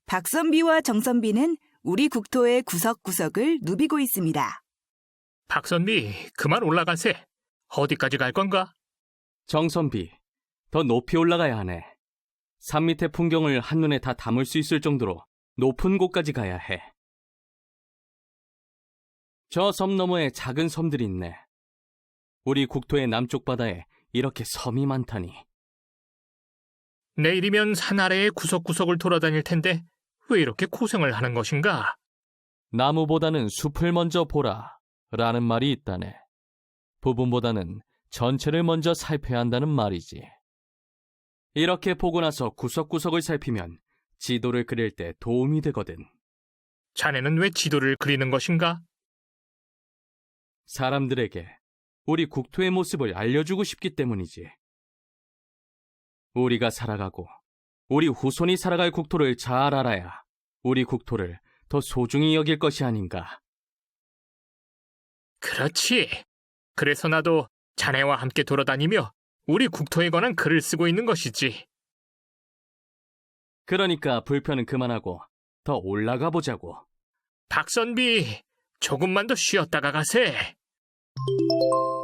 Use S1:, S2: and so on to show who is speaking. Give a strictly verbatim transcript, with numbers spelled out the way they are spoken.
S1: 박선비와 정선비는 우리 국토의 구석구석을 누비고 있습니다.
S2: 박선비, 그만 올라가세. 어디까지 갈 건가?
S3: 정선비, 더 높이 올라가야 하네. 산 밑의 풍경을 한눈에 다 담을 수 있을 정도로 높은 곳까지 가야 해. 저 섬 너머에 작은 섬들이 있네. 우리 국토의 남쪽 바다에 이렇게 섬이 많다니.
S2: 내일이면 산 아래의 구석구석을 돌아다닐 텐데 왜 이렇게 고생을 하는 것인가?
S3: 나무보다는 숲을 먼저 보라 라는 말이 있다네. 부분보다는 전체를 먼저 살펴야 한다는 말이지. 이렇게 보고 나서 구석구석을 살피면 지도를 그릴 때 도움이 되거든.
S2: 자네는 왜 지도를 그리는 것인가?
S3: 사람들에게 우리 국토의 모습을 알려주고 싶기 때문이지. 우리가 살아가고 우리 후손이 살아갈 국토를 잘 알아야 우리 국토를 더 소중히 여길 것이 아닌가.
S2: 그렇지. 그래서 나도 자네와 함께 돌아다니며 우리 국토에 관한 글을 쓰고 있는 것이지.
S3: 그러니까 불편은 그만하고 더 올라가 보자고.
S2: 박선비, 조금만 더 쉬었다가 가세.